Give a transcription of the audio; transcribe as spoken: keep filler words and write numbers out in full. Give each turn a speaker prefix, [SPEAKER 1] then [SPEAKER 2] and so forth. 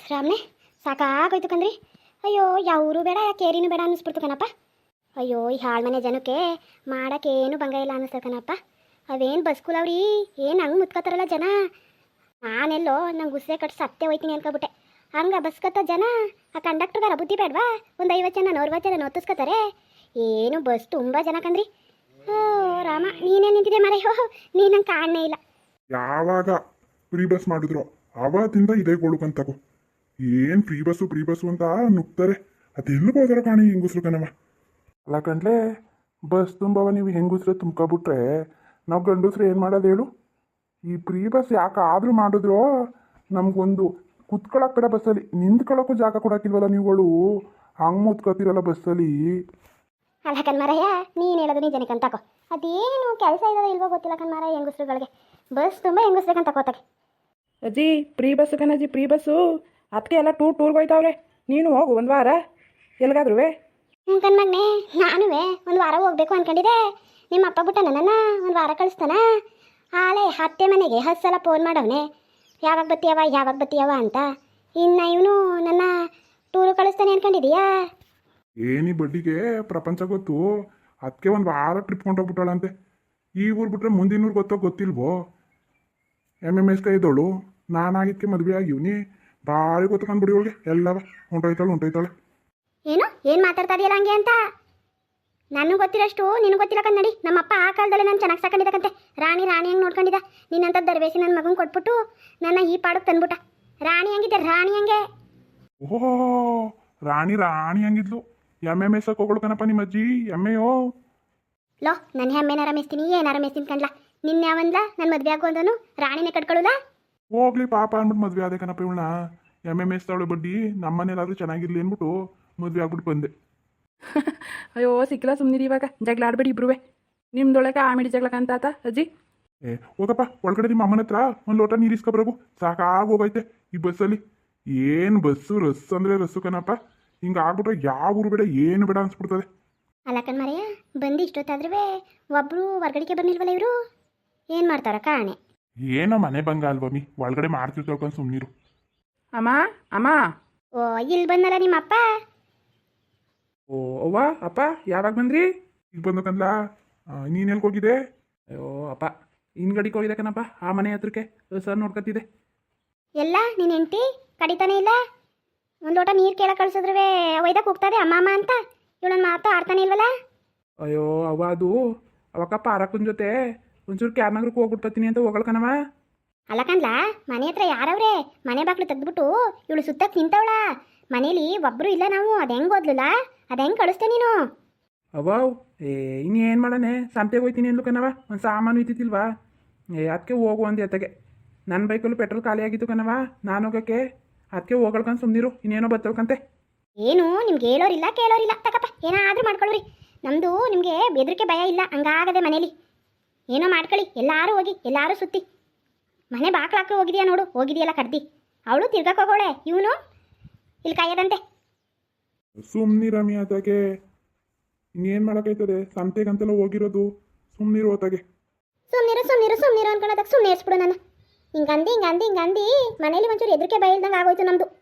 [SPEAKER 1] ರಾಮ್ನೆ ಸಾಕಾಗೋಯ್ತು ಕಂದ್ರಿ. ಅಯ್ಯೋ ಯಾವರು ಬೇಡ ಕೇರಿನೂ ಬೇಡ ಅನ್ನಿಸ್ಬಿಡ್ತು ಕಣಪ್ಪ. ಅಯ್ಯೋ ಈ ಹಾಳು ಮನೆ ಜನಕ್ಕೆ ಮಾಡೋಕ್ಕೇನು ಭಂಗ ಇಲ್ಲ ಅನ್ನಿಸ್ತದೆ ಕಣಪ್ಪ. ಅವೇನು ಬಸ್ಕುಲವ್ರಿ ಏನು ಹಂಗೆ ಮುತ್ಕೋತಾರಲ್ಲ ಜನ. ನಾನೆಲ್ಲೋ ನಂಗೆ ಗುಸ್ಸೆ ಕಟ್ಟು ಸತ್ತೆ ಹೋಯ್ತೀನಿ ಅನ್ಕೊಬಿಟ್ಟೆ. ಹಂಗೆ ಬಸ್ಕತ್ತ ಜನ ಆ ಕಂಡಕ್ಟರ್ಗಾರ ಬುದ್ಧಿ ಬೇಡವಾ? ಒಂದು ಐವತ್ತು ಜನ ನೂರವತ್ತು ಜನ ನೋತಿಸ್ಕೊತಾರೆ. ಏನು ಬಸ್ ತುಂಬ ಜನ ಕಂದ್ರಿ. ಓ ರಾಮ ನೀನೇ ನಿಂತಿದೆ ಮರೆಯೋ, ನೀನು ನಂಗೆ ಕಾಣನೇ ಇಲ್ಲ.
[SPEAKER 2] ಯಾವಾಗ ಫ್ರೀ ಬಸ್ ಮಾಡಿದ್ರು ಅವತ್ತಿಂದ ಇದೇ ಗೋಳುಕಂತಗೋ. ಏನು ಫ್ರೀ ಬಸ್ಸು ಫ್ರೀ ಬಸ್ಸು ಅಂತ ನುಗ್ತಾರೆ. ಅದೆಲ್ಲೂ ಹೋದಾರ ಕಾಣಿ ಹೆಂಗುಸ್ರು ಕಣವ. ಅಲ್ಲ ಕಂಡ್ಲೆ ಬಸ್ ತುಂಬವ ನೀವು ಹೆಂಗುಸ್ರೆ ತುಂಬ್ಕೊಬಿಟ್ರೆ ನಾವು ಗಂಡಸ್ರು ಏನು ಮಾಡೋದು ಹೇಳು? ಈ ಫ್ರೀ ಬಸ್ ಯಾಕಾದ್ರೂ ಮಾಡಿದ್ರು ನಮಗೊಂದು ಕುತ್ಕೊಳ್ಳೋಕೆ ಬೇಡ ಬಸ್ಸಲ್ಲಿ, ನಿಂತ್ಕೊಳ್ಳೋಕ್ಕೂ ಜಾಗ ಕೊಡೋಕ್ಕಿಲ್ವಲ್ಲ ನೀವುಗಳು. ಹಂಗೆ ಮುತ್ಕೋತಿರಲ್ಲ ಬಸ್ಸಲ್ಲಿ.
[SPEAKER 1] ಅಲ್ಲ ಕಣ್ಮಾರಯ್ಯ ನೀನು ಹೇಳೋದು ನಿಜನೇ ಕಂತಕೋ. ಅದೇನು ಕೆಲಸ ಇರೋದು ಇಲ್ವೋ ಗೊತ್ತಿಲ್ಲ ಕಣ್ಮಾರ ಹೆಂಗಸ್ರುಗಳಿಗೆ. ಬಸ್ ತುಂಬ ಹೆಂಗಸ್ರಿಗೆ ಅಂತ ಕೋತಾಗೆ.
[SPEAKER 3] ಅಜ್ಜಿ ಫ್ರೀ ಬಸ್ಸು ಕಣಜ್ಜಿ ಫ್ರೀ ಬಸ್ಸು. ಅದಕ್ಕೆ ಎಲ್ಲ ಟೂರ್ ಟೂರ್ಗೆ ಹೋಯ್ತಾವ್ರೆ. ನೀನು ಹೋಗು ಒಂದು ವಾರ ಎಲ್ಗಾದ್ರೂ.
[SPEAKER 1] ಹ್ಞೂ ಕಣ್ಮಗ್ನೆ ನಾನು ಒಂದು ವಾರ ಹೋಗ್ಬೇಕು ಅಂದ್ಕೊಂಡಿದ್ದೆ. ನಿಮ್ಮ ಅಪ್ಪ ಬಿಟ್ಟ ನನ್ನ ಒಂದು ವಾರ ಕಳಿಸ್ತಾನ. ಆಲೆ ಅತ್ತೆ ಮನೆಗೆ ಹತ್ತು ಸಲ ಫೋನ್ ಮಾಡವನೆ ಯಾವಾಗ ಬತ್ತೀಯವ ಯಾವಾಗ ಬತ್ತೀಯವ ಅಂತ. ಇನ್ನು ಇವನು ನನ್ನ ಟೂರು ಕಳಿಸ್ತಾನೆ ಅನ್ಕೊಂಡಿದೀಯಾ?
[SPEAKER 2] ಏನಿ ಬಡ್ಡಿಗೆ ಪ್ರಪಂಚ ಗೊತ್ತು. ಅದಕ್ಕೆ ಒಂದು ವಾರ ಟ್ರಿಪ್ ಕೊಂಡೋಗ್ಬಿಟ್ಟಾಳಂತೆ. ಈ ಊರು ಬಿಟ್ರೆ ಮುಂದಿನ ಊರು ಗೊತ್ತೋ ಗೊತ್ತಿಲ್ವೋ. ಎಮ್ ಎಮ್ ಎಸ್ ಕೈ ಇದ್ದವಳು ನಾನಾಗಿದ್ದಕ್ಕೆ ಮದುವೆ ಆಗಿವ್ನಿ. ಭಾರಿ ಗೊತ್ತಕೊಂಡ್ಬಿಡಿ ಅವಳಿಗೆ ಎಲ್ಲವ. ಹೊಂಟೋಯ್ತಾಳೆ ಹೊಂಟೋಯ್ತಾಳೆ.
[SPEAKER 1] ಏನು ಏನು ಮಾತಾಡ್ತಾ ಇದೆಯಲ್ಲ ಹಂಗೆ ಅಂತ? ನನಗೆ ಗೊತ್ತಿರೋಷ್ಟು ನಿನಗೆ ಗೊತ್ತಿಲ್ಲ ಕನ್ನಡಿ. ನಮ್ಮಪ್ಪ ಆ ಕಾಲದಲ್ಲಿ ನಾನು ಚೆನ್ನಾಗಿ ಸಾಕೊಂಡಿದ್ದಕ್ಕಂತೆ. ರಾಣಿ ರಾಣಿ ಹಂಗೆ ನೋಡ್ಕೊಂಡಿದ್ದ. ನಿನ್ನಂಥ ದರ್ವೇಸಿ ನನ್ನ ಮಗನ ಕೊಟ್ಬಿಟ್ಟು ನನ್ನ ಈ ಪಾಡಕ್ಕೆ ತಂದ್ಬಿಟ್ಟ. ರಾಣಿ ಹಂಗಿದ್ದೆ ರಾಣಿ ಹಂಗೆ.
[SPEAKER 2] ಓಹೋ ರಾಣಿ ರಾಣಿ ಹಂಗಿದ್ಲು. ಎಮ್ ಎಮ್ ಎಸ್ ಹೋಗೋಳು ಕಣಪ್ಪ ನಿಮ್ಮ ಅಜ್ಜಿ. ಎಮ್ಮೆಯೋ
[SPEAKER 1] ಲೋ ನನ್ನ ಹೆಮ್ಮೆನಾರ ಮೇಸ್ತೀನಿ ಏನಾರ ಮೇಸ್ತೀನಿ ಕಣ್ಲ. ನಿನ್ನ ಯಾವಂದ್ಲ ನನ್ನ ಮದುವೆ ಆಗು ಅಂದನು ರಾಣಿನೇ ಕಟ್ಕೊಳ್ಳುಲ್ಲ.
[SPEAKER 2] ಹೋಗ್ಲಿ ಪಾಪ ಅಂದ್ಬಿಟ್ಟು ಮದುವೆ ಆದೆ ಕಣಪ್ಪ ಇವಳನ್ನ. ಎಮ್ ಎಮ್ ಎಸ್ ತವಳು ಬಡ್ಡಿ ನಮ್ಮನೇಲಾದ್ರೂ ಚೆನ್ನಾಗಿರ್ಲಿ ಅಂದ್ಬಿಟ್ಟು ಮದುವೆ ಆಗ್ಬಿಟ್ಟು ಬಂದೆ.
[SPEAKER 3] ಅಯ್ಯೋ ಸಿಕ್ಕಿಲ್ಲ ಸುಮ್ಮನಿರಿ. ಇವಾಗ ಜಗಳ ಆಡ್ಬೇಡಿ ಇಬ್ರುವೆ. ನಿಮ್ದೊಳಗೆ ಆಮಿಡಿ ಜಗಳ ಕಂತಾತ ಅಜ್ಜಿ.
[SPEAKER 2] ಏ ಹೋಗಪ್ಪ ಒಳಗಡೆ ನಿಮ್ಮ ಅಮ್ಮನ ಹತ್ರ ಒಂದು ಲೋಟ ನೀರು ಇಸ್ಕೊಬರಗು. ಸಾಕಾಗಿ ಹೋಗೈತೆ ಈ ಬಸ್ಸಲ್ಲಿ. ಏನು ಬಸ್ಸು ರಸ್ಸು ಅಂದರೆ ರಸ್ಸು ಕಣಪ್ಪ. ಹಿಂಗೆ ಆಗ್ಬಿಟ್ರೆ ಯಾವ ಊರು ಬೇಡ ಏನು ಬೇಡ ಅನ್ಸ್ಬಿಡ್ತದೆ.
[SPEAKER 1] ಅಲ್ಲ ಕಣ್ಮರೆಯ ಬಂದು ಇಷ್ಟೊತ್ತಾದ್ರೂ ಒಬ್ಬರು ಹೊರ್ಗಡೆಗೆ ಬಂದಿಲ್ವಲ್ಲ ಇವರು. ಏನು ಮಾಡ್ತಾರ ಕಾಣೆ.
[SPEAKER 2] ಏನೋ ಮನೆ ಬಂಗ ಅಲ್ವಮ್ಮಿ, ಒಳಗಡೆ ಮಾಡ್ತಿರ್ತಾಳ್ಕೊಂಡು ಸುಮ್ಮನಿರು.
[SPEAKER 3] ಅಮ್ಮ ಅಮ್ಮ.
[SPEAKER 1] ಓ ಇಲ್ಲಿ ಬಂದಲ್ಲ ನಿಮ್ಮಪ್ಪ.
[SPEAKER 3] ಓ ಅವ್ವ ಅಪ್ಪ ಯಾವಾಗ ಬಂದ್ರಿ?
[SPEAKER 2] ಈಗ ಬಂದಕಂದ್ಲ. ನೀನು ಎಲ್ಗೆ ಹೋಗಿದ್ದೆ?
[SPEAKER 3] ಅಯ್ಯೋ ಅಪ್ಪ ಹಿಂದ್ಗಡಿಗೆ ಹೋಗಿದೆ ಕಣಪ್ಪ. ಆ ಮನೆ ಹತ್ರಕ್ಕೆ ಸರ್ ನೋಡ್ಕೊತಿದ್ದೆ.
[SPEAKER 1] ಎಲ್ಲ ನೀನು ಹೆಂಡ್ತಿ ಕಡಿತಾನೆ ಇಲ್ಲ. ಒಂದು ಲೋಟ ನೀರು ಕೇಳಕ್ಕೆ ಕಳ್ಸಿದ್ರೆ ಒಯ್ದಕ್ಕೆ ಹೋಗ್ತದೆ ಅಮ್ಮ ಅಮ್ಮ ಅಂತ. ಇವಳನ್ನ ಮಾತು ಆಡ್ತಾನೆ ಇಲ್ವಲ್ಲ.
[SPEAKER 3] ಅಯ್ಯೋ ಅವ್ವ ಅದು ಅವಕ್ಕಪ್ಪ ಅರಕ್ಕನ ಜೊತೆ ಒಂಚೂರು ಕ್ಯಾರ್ನಗರಕ್ಕೆ ಹೋಗ್ಬಿಟ್ಟು ಬರ್ತೀನಿ ಅಂತ ಹೋಗಳ್ಕಣವ.
[SPEAKER 1] ಅಲ್ಲ ಕಣ್ಲ ಮನೆ ಹತ್ರ ಯಾರವ್ರೆ? ಮನೆ ಬಾಗ್ಲು ತೆಗೆದ್ಬಿಟ್ಟು ಇವಳು ಸುತ್ತಕ್ಕೆ ನಿಂತವಳ. ಮನೇಲಿ ಒಬ್ಬರು ಇಲ್ಲ ನಾವು. ಅದು ಹೆಂಗೆ ಓದ್ಲಲ್ಲ ಅದು ಹೆಂಗೆ ಕಳಿಸ್ತೆ ನೀನು?
[SPEAKER 3] ಅವ್ವ ಏ ಇನ್ನೇನು ಮಾಡಣೆ ಸಂತೆಗೆ ಹೋಯ್ತೀನಿ ಅಂದ್ಲು ಕಣವ. ಒಂದು ಸಾಮಾನು ಇದ್ದಿತ್ತಿಲ್ವಾ? ಏ ಅದಕ್ಕೆ ಹೋಗು ಅಂದೆ ಅತ್ತಗೆ. ನನ್ನ ಬೈಕಲ್ಲೂ ಪೆಟ್ರೋಲ್ ಖಾಲಿ ಆಗಿತ್ತು ಕಣವ. ನಾನು ಹೋಗೋಕ್ಕೆ ಅದಕ್ಕೆ ಹೋಗಳ್ಕೊಂಡು ಸುಮ್ಮನಿರು. ಇನ್ನೇನೋ ಬರ್ತಳ್ಕಂತೆ.
[SPEAKER 1] ಏನು ನಿಮ್ಗೆ ಹೇಳೋರಿಲ್ಲ ಕೇಳೋರಿಲ್ಲ. ತಕಪ್ಪ ಏನಾದರೂ ಮಾಡ್ಕೊಳ್ಳ್ರಿ. ನಮ್ಮದು ನಿಮಗೆ ಬೆದರಿಕೆ ಭಯ ಇಲ್ಲ. ಹಂಗಾಗದೆ ಮನೇಲಿ ಏನೋ ಮಾಡ್ಕೊಳ್ಳಿ. ಎಲ್ಲರೂ ಹೋಗಿ ಎಲ್ಲರೂ ಸುತ್ತಿ ಮನೆ ಬಾಕ್ಲಾಕ ಹೋಗಿದೆಯಾ ನೋಡು. ಹೋಗಿದೆಯಲ್ಲ ಕಡ್ದಿ. ಅವಳು ತಿರ್ಗಕ್ಕೆ ಹೋಗೋಳೆ. ಇವನು ಇಲ್ಲಿ ಕಾಯದಂತೆ.
[SPEAKER 2] ಸುಮ್ಮನಿರಮ್ಮಿ ಆತಾಗೆ. ಇನ್ನೇನು ಮಾಡೋಕ್ಕೈತದೆ? ಸಂತೆಗಂತೆಲ್ಲ ಹೋಗಿರೋದು. ಸುಮ್ಮನಿರು ಆತಾಗೆ.
[SPEAKER 1] ಸುಮ್ಮನಿರು ಸುಮ್ಮನಿರು ಸುಮ್ಮನಿರು ಅನ್ಕೊಳ್ಳೋದಕ್ಕೆ ಸುಮ್ಮನೆ ಇರಿಸ್ಬಿಡು ನನ್ನ. ಹಿಂಗಂದು ಹಿಂಗಂದು ಹಿಂಗಂದು ಮನೇಲಿ ಒಂಚೂರು ಹೆದರಿಕೆ ಭಯ ಇಲ್ದಂಗೆ ಆಗೋಯ್ತು ನಮ್ಮದು.